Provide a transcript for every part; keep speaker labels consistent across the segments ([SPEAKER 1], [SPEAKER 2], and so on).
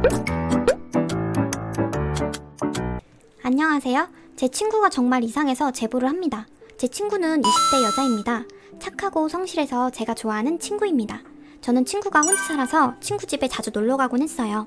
[SPEAKER 1] 안녕하세요. 제 친구가 정말 이상해서 제보를 합니다. 제 친구는 20대 여자입니다. 착하고 성실해서 제가 좋아하는 친구입니다. 저는 친구가 혼자 살아서 친구 집에 자주 놀러 가곤 했어요.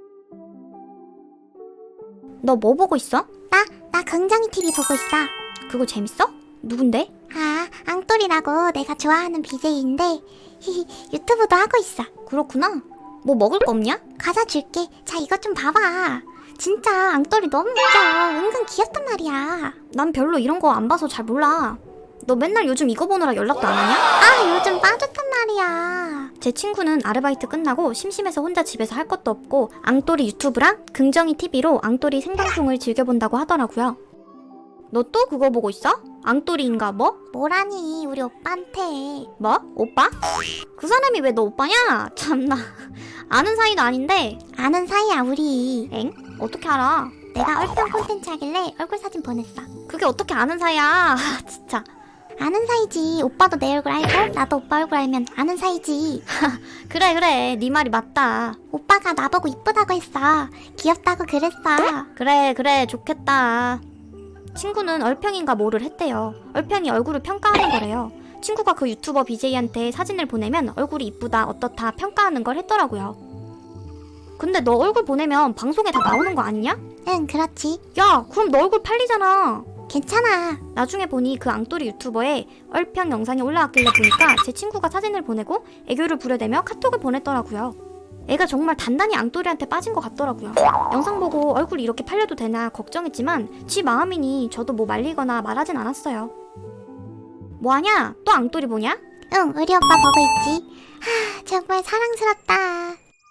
[SPEAKER 1] 너 뭐 보고 있어?
[SPEAKER 2] 나 긍정이 TV 보고 있어.
[SPEAKER 1] 그거 재밌어? 누군데?
[SPEAKER 2] 아, 앙돌이라고 내가 좋아하는 BJ인데 유튜브도 하고 있어.
[SPEAKER 1] 그렇구나. 뭐 먹을 거 없냐?
[SPEAKER 2] 과자 줄게. 자, 이것 좀 봐봐. 진짜 앙돌이 너무 웃겨. 은근 귀엽단 말이야.
[SPEAKER 1] 난 별로 이런 거 안 봐서 잘 몰라. 너 맨날 요즘 이거 보느라 연락도 안 하냐?
[SPEAKER 2] 아, 요즘 빠졌단 말이야.
[SPEAKER 1] 제 친구는 아르바이트 끝나고 심심해서 혼자 집에서 할 것도 없고 앙돌이 유튜브랑 긍정이 TV로 앙돌이 생방송을 즐겨본다고 하더라고요. 너 또 그거 보고 있어? 앙돌이인가 뭐?
[SPEAKER 2] 뭐라니, 우리 오빠한테.
[SPEAKER 1] 뭐? 오빠? 그 사람이 왜 너 오빠냐? 참나. 아는 사이도 아닌데.
[SPEAKER 2] 아는 사이야, 우리.
[SPEAKER 1] 엥? 어떻게 알아?
[SPEAKER 2] 내가 얼평 콘텐츠 하길래 얼굴 사진 보냈어.
[SPEAKER 1] 그게 어떻게 아는 사이야? 진짜.
[SPEAKER 2] 아는 사이지. 오빠도 내 얼굴 알고 나도 오빠 얼굴 알면 아는 사이지.
[SPEAKER 1] 그래 네 말이 맞다.
[SPEAKER 2] 오빠가 나보고 이쁘다고 했어. 귀엽다고 그랬어.
[SPEAKER 1] 그래 좋겠다. 친구는 얼평인가 뭐를 했대요. 얼평이 얼굴을 평가하는 거래요. 친구가 그 유튜버 BJ한테 사진을 보내면 얼굴이 이쁘다 어떻다 평가하는 걸 했더라고요. 근데 너 얼굴 보내면 방송에 다 나오는 거 아니냐?
[SPEAKER 2] 응, 그렇지.
[SPEAKER 1] 야 그럼 너 얼굴 팔리잖아.
[SPEAKER 2] 괜찮아.
[SPEAKER 1] 나중에 보니 그 앙돌이 유튜버에 얼평 영상이 올라왔길래 보니까 제 친구가 사진을 보내고 애교를 부려대며 카톡을 보냈더라고요. 애가 정말 단단히 앙돌이한테 빠진 것 같더라고요. 영상 보고 얼굴이 이렇게 팔려도 되나 걱정했지만 지 마음이니 저도 뭐 말리거나 말하진 않았어요. 뭐하냐? 또 앙돌이 보냐?
[SPEAKER 2] 응, 우리 오빠 보고 있지. 하, 정말 사랑스럽다.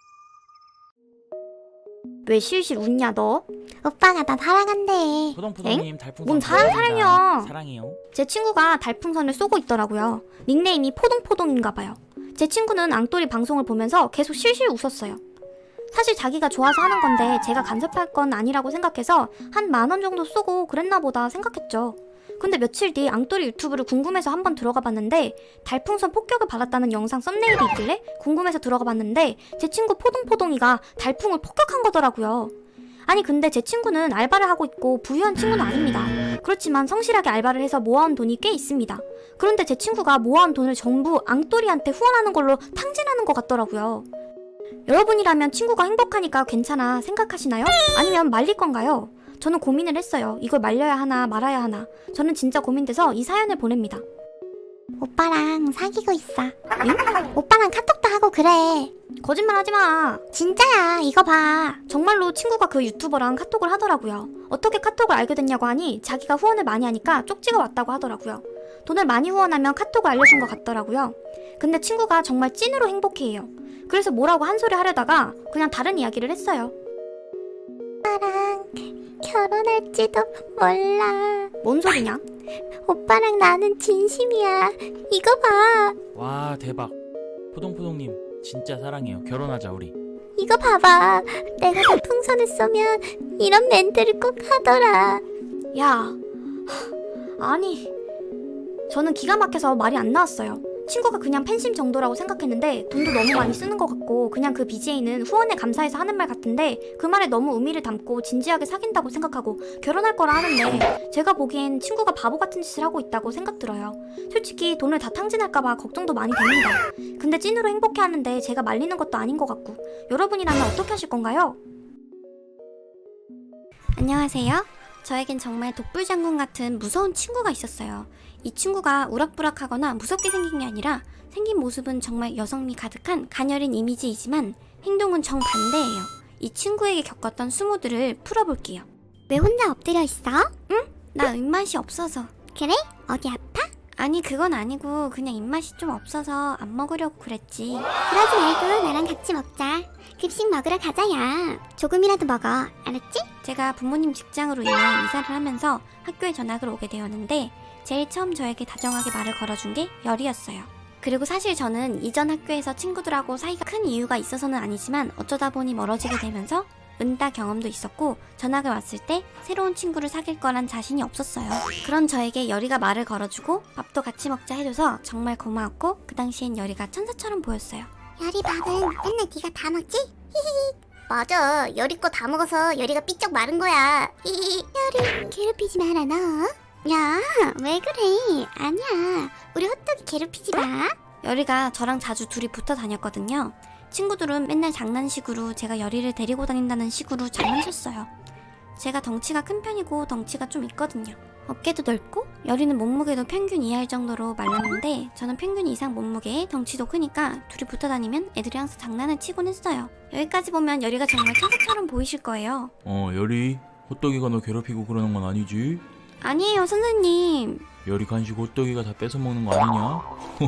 [SPEAKER 1] 왜 실실 웃냐 너?
[SPEAKER 2] 오빠가 나 사랑한대.
[SPEAKER 3] 포동포동님 달풍선
[SPEAKER 1] 뭔 사랑이야.
[SPEAKER 3] 사랑해요.
[SPEAKER 1] 제 친구가 달풍선을 쏘고 있더라고요. 닉네임이 포동포동인가봐요. 제 친구는 앙돌이 방송을 보면서 계속 실실 웃었어요. 사실 자기가 좋아서 하는 건데 제가 간섭할 건 아니라고 생각해서 한 10,000원 정도 쏘고 그랬나 보다 생각했죠. 근데 며칠 뒤 앙돌이 유튜브를 궁금해서 한번 들어가 봤는데 달풍선 폭격을 받았다는 영상 썸네일이 있길래 궁금해서 들어가 봤는데 제 친구 포동포동이가 달풍을 폭격한 거더라고요. 아니 근데 제 친구는 알바를 하고 있고 부유한 친구는 아닙니다. 그렇지만 성실하게 알바를 해서 모아온 돈이 꽤 있습니다. 그런데 제 친구가 모아온 돈을 전부 앙돌이한테 후원하는 걸로 탕진하는 것 같더라고요. 여러분이라면 친구가 행복하니까 괜찮아 생각하시나요? 아니면 말릴 건가요? 저는 고민을 했어요. 이걸 말려야 하나 말아야 하나. 저는 진짜 고민돼서 이 사연을 보냅니다.
[SPEAKER 2] 오빠랑 사귀고 있어. 응? 오빠랑 카톡도 하고 그래.
[SPEAKER 1] 거짓말 하지 마.
[SPEAKER 2] 진짜야, 이거 봐.
[SPEAKER 1] 정말로 친구가 그 유튜버랑 카톡을 하더라고요. 어떻게 카톡을 알게 됐냐고 하니 자기가 후원을 많이 하니까 쪽지가 왔다고 하더라고요. 돈을 많이 후원하면 카톡을 알려준 것 같더라고요. 근데 친구가 정말 찐으로 행복해해요. 그래서 뭐라고 한 소리 하려다가 그냥 다른 이야기를 했어요.
[SPEAKER 2] 오빠랑 결혼할지도 몰라.
[SPEAKER 1] 뭔 소리냐?
[SPEAKER 2] 오빠랑 나는 진심이야. 이거 봐.
[SPEAKER 3] 와 대박. 포동포동님 진짜 사랑해요. 결혼하자 우리.
[SPEAKER 2] 이거 봐봐. 내가 달풍선을 쏘면 이런 멘트를 꼭 하더라.
[SPEAKER 1] 야, 아니 저는 기가 막혀서 말이 안 나왔어요. 친구가 그냥 팬심 정도라고 생각했는데 돈도 너무 많이 쓰는 것 같고 그냥 그 BJ는 후원에 감사해서 하는 말 같은데 그 말에 너무 의미를 담고 진지하게 사귄다고 생각하고 결혼할 거라 하는데 제가 보기엔 친구가 바보 같은 짓을 하고 있다고 생각 들어요. 솔직히 돈을 다 탕진할까봐 걱정도 많이 됩니다. 근데 찐으로 행복해하는데 제가 말리는 것도 아닌 것 같고 여러분이라면 어떻게 하실 건가요? 안녕하세요. 저에겐 정말 독불장군 같은 무서운 친구가 있었어요. 이 친구가 우락부락하거나 무섭게 생긴 게 아니라 생긴 모습은 정말 여성미 가득한 가녀린 이미지이지만 행동은 정반대예요. 이 친구에게 겪었던 수모들을 풀어볼게요.
[SPEAKER 2] 왜 혼자 엎드려 있어?
[SPEAKER 1] 나 입맛이 없어서.
[SPEAKER 2] 그래? 어디 아파?
[SPEAKER 1] 아니 그건 아니고 그냥 입맛이 좀 없어서 안 먹으려고 그랬지.
[SPEAKER 2] 그러지 말고 나랑 같이 먹자. 급식 먹으러 가자야. 조금이라도 먹어. 알았지?
[SPEAKER 1] 제가 부모님 직장으로 인해 이사를 하면서 학교에 전학을 오게 되었는데 제일 처음 저에게 다정하게 말을 걸어준 게 열이었어요. 그리고 사실 저는 이전 학교에서 친구들하고 사이가 큰 이유가 있어서는 아니지만 어쩌다 보니 멀어지게 되면서 은따 경험도 있었고 전학을 왔을 때 새로운 친구를 사귈 거란 자신이 없었어요. 그런 저에게 열이가 말을 걸어주고 밥도 같이 먹자 해줘서 정말 고마웠고 그 당시엔 열이가 천사처럼 보였어요.
[SPEAKER 2] 열이 밥은 맨날 네가 다 먹지? 히히. 맞아. 열이 거 다 먹어서 열이가 삐쩍 마른 거야. 열이 괴롭히지 마라 너. 야, 왜 그래? 아니야. 우리 호떡이 괴롭히지 마.
[SPEAKER 1] 열이가 저랑 자주 둘이 붙어 다녔거든요. 친구들은 맨날 장난식으로 제가 열이를 데리고 다닌다는 식으로 장난쳤어요. 제가 덩치가 큰 편이고 덩치가 좀 있거든요. 어깨도 넓고 열이는 몸무게도 평균 이하일 정도로 말랐는데 저는 평균 이상 몸무게에 덩치도 크니까 둘이 붙어 다니면 애들이 항상 장난을 치곤 했어요. 여기까지 보면 열이가 정말 천사처럼 보이실 거예요.
[SPEAKER 3] 열이 호떡이가 너 괴롭히고 그러는 건 아니지?
[SPEAKER 1] 아니에요, 선생님.
[SPEAKER 3] 열이 간식 호떡이가 다 뺏어 먹는 거 아니냐?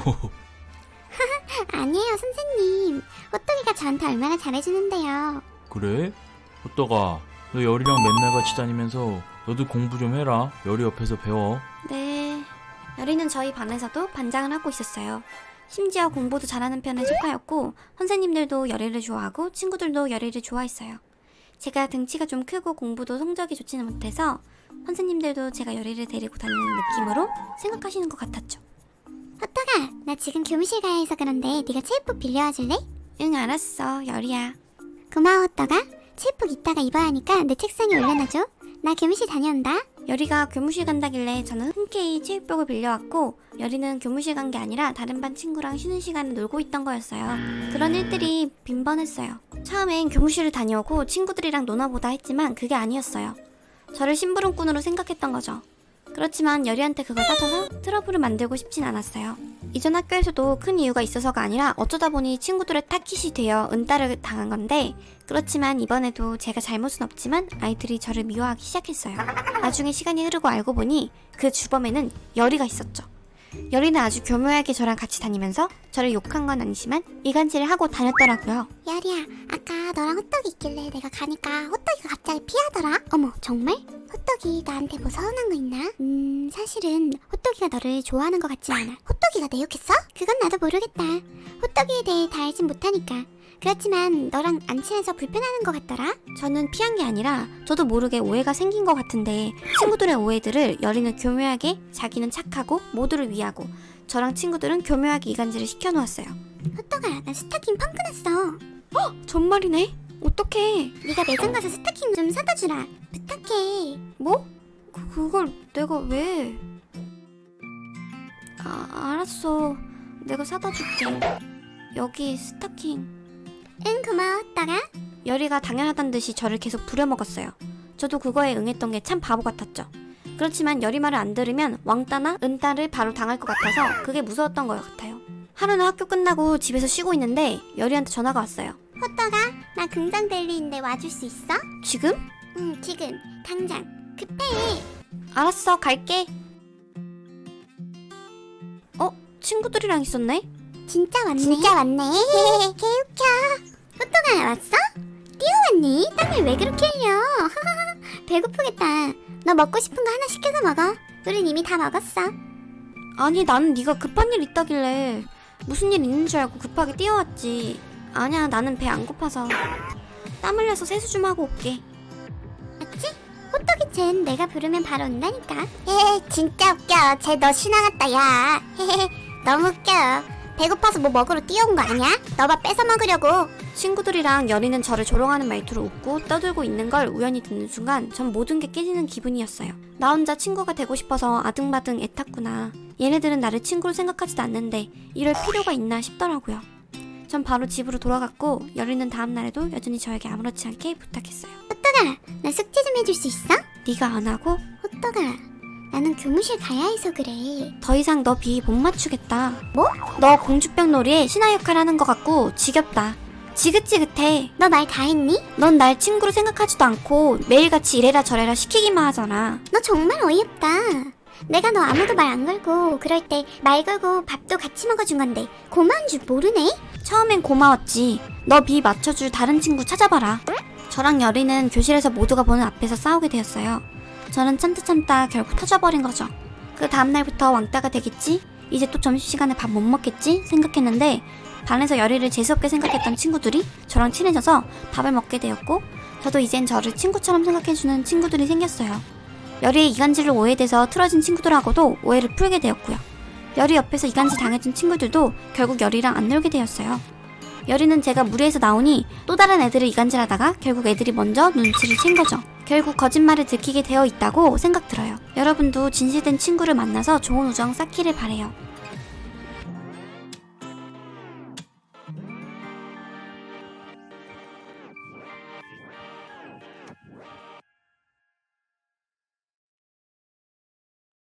[SPEAKER 2] 아니에요, 선생님. 호떡이가 저한테 얼마나 잘해주는데요.
[SPEAKER 3] 그래? 호떡아, 너 열이랑 맨날 같이 다니면서 너도 공부 좀 해라. 열이 옆에서 배워.
[SPEAKER 1] 네. 열이는 저희 반에서도 반장을 하고 있었어요. 심지어 공부도 잘하는 편에 속하였고 선생님들도 열이를 좋아하고 친구들도 열이를 좋아했어요. 제가 등치가 좀 크고 공부도 성적이 좋지는 못해서 선생님들도 제가 열이를 데리고 다니는 느낌으로 생각하시는 것 같았죠.
[SPEAKER 2] 호떡아, 나 지금 교무실 가야 해서 그런데 네가 체육복 빌려와 줄래?
[SPEAKER 1] 응, 알았어, 열이야.
[SPEAKER 2] 고마워, 호떡아. 체육복 이따가 입어야 하니까 내 책상에 올려놔줘. 나 교무실 다녀온다.
[SPEAKER 1] 열이가 교무실 간다길래 저는 흔쾌히 체육복을 빌려왔고 열이는 교무실 간 게 아니라 다른 반 친구랑 쉬는 시간에 놀고 있던 거였어요. 그런 일들이 빈번했어요. 처음엔 교무실을 다녀오고 친구들이랑 노나보다 했지만 그게 아니었어요. 저를 심부름꾼으로 생각했던 거죠. 그렇지만 열이한테 그걸 따져서 트러블을 만들고 싶진 않았어요. 이전 학교에서도 큰 이유가 있어서가 아니라 어쩌다 보니 친구들의 타깃이 되어 은따를 당한 건데 그렇지만 이번에도 제가 잘못은 없지만 아이들이 저를 미워하기 시작했어요. 나중에 시간이 흐르고 알고 보니 그 주범에는 열이가 있었죠. 열이는 아주 교묘하게 저랑 같이 다니면서 저를 욕한 건 아니지만 이간질을 하고 다녔더라고요.
[SPEAKER 2] 열이야, 아까 너랑 호떡이 있길래 내가 가니까 호떡이가 갑자기 피하더라. 어머, 정말? 호떡이 나한테 뭐 서운한 거 있나? 사실은 호떡이가 너를 좋아하는 것 같지 않아. 호떡이가 내 욕했어? 그건 나도 모르겠다. 호떡이에 대해 다 알진 못하니까. 그렇지만 너랑 안 친해서 불편하는 것 같더라.
[SPEAKER 1] 저는 피한 게 아니라 저도 모르게 오해가 생긴 것 같은데 친구들의 오해들을 열이는 교묘하게 자기는 착하고 모두를 위하고 저랑 친구들은 교묘하게 이간질을 시켜놓았어요.
[SPEAKER 2] 호떡아, 나 스타킹 펑크 났어.
[SPEAKER 1] 정말이네? 어떡해.
[SPEAKER 2] 네가 매장 가서 스타킹 좀 사다 주라. 부탁해.
[SPEAKER 1] 뭐? 그걸 내가 왜? 알았어. 내가 사다 줄게. 여기 스타킹.
[SPEAKER 2] 응, 고마워, 호떡아.
[SPEAKER 1] 열이가 당연하단 듯이 저를 계속 부려먹었어요. 저도 그거에 응했던 게 참 바보 같았죠. 그렇지만 열이 말을 안 들으면 왕따나 은따를 바로 당할 것 같아서 그게 무서웠던 것 같아요. 하루는 학교 끝나고 집에서 쉬고 있는데 열이한테 전화가 왔어요.
[SPEAKER 2] 호떡아, 나 긍정 델리인데 와줄 수 있어?
[SPEAKER 1] 지금?
[SPEAKER 2] 응, 지금. 당장. 급해.
[SPEAKER 1] 알았어, 갈게. 친구들이랑 있었네?
[SPEAKER 2] 진짜 왔네. 진짜 왔네. 개웃겨. 호떡아, 왔어? 뛰어왔니? 땀을 왜 그렇게 흘려? 배고프겠다. 너 먹고 싶은 거 하나 시켜서 먹어. 우린 이미 다 먹었어.
[SPEAKER 1] 아니, 나는 네가 급한 일 있다길래 무슨 일 있는 줄 알고 급하게 뛰어왔지. 아니야, 나는 배 안 고파서. 땀 흘려서 세수 좀 하고 올게.
[SPEAKER 2] 맞지? 호떡이 쟨 내가 부르면 바로 온다니까. 진짜 웃겨. 쟤 너 신나갔다, 야. 너무 웃겨. 배고파서 뭐 먹으러 뛰어온 거 아니야? 너밥 뺏어 먹으려고.
[SPEAKER 1] 친구들이랑 열이는 저를 조롱하는 말투로 웃고 떠들고 있는 걸 우연히 듣는 순간 전 모든 게 깨지는 기분이었어요. 나 혼자 친구가 되고 싶어서 아등바등 애탔구나. 얘네들은 나를 친구로 생각하지도 않는데 이럴 필요가 있나 싶더라고요. 전 바로 집으로 돌아갔고 열이는 다음 날에도 여전히 저에게 아무렇지 않게 부탁했어요.
[SPEAKER 2] 호떡아, 나 숙제 좀 해줄 수 있어?
[SPEAKER 1] 네가 안 하고?
[SPEAKER 2] 호떡아, 나는 교무실 가야 해서 그래.
[SPEAKER 1] 더 이상 너 비 못 맞추겠다.
[SPEAKER 2] 뭐?
[SPEAKER 1] 너 공주병 놀이에 신하 역할 하는 것 같고 지겹다. 지긋지긋해.
[SPEAKER 2] 너 말 다 했니?
[SPEAKER 1] 넌 날 친구로 생각하지도 않고 매일같이 이래라 저래라 시키기만 하잖아.
[SPEAKER 2] 너 정말 어이없다. 내가 너 아무도 말 안 걸고 그럴 때 말 걸고 밥도 같이 먹어준 건데 고마운 줄 모르네?
[SPEAKER 1] 처음엔 고마웠지. 너 비 맞춰줄 다른 친구 찾아봐라. 저랑 열이는 교실에서 모두가 보는 앞에서 싸우게 되었어요. 저는 참다 결국 터져버린 거죠. 그 다음날부터 왕따가 되겠지? 이제 또 점심시간에 밥 못 먹겠지? 생각했는데 반에서 열이를 재수없게 생각했던 친구들이 저랑 친해져서 밥을 먹게 되었고 저도 이젠 저를 친구처럼 생각해주는 친구들이 생겼어요. 열이의 이간질로 오해돼서 틀어진 친구들하고도 오해를 풀게 되었고요. 열이 옆에서 이간질 당해준 친구들도 결국 열이랑 안 놀게 되었어요. 여리는 제가 무리해서 나오니 또 다른 애들을 이간질하다가 결국 애들이 먼저 눈치를 챈 거죠. 결국 거짓말을 들키게 되어 있다고 생각 들어요. 여러분도 진실된 친구를 만나서 좋은 우정 쌓기를 바래요.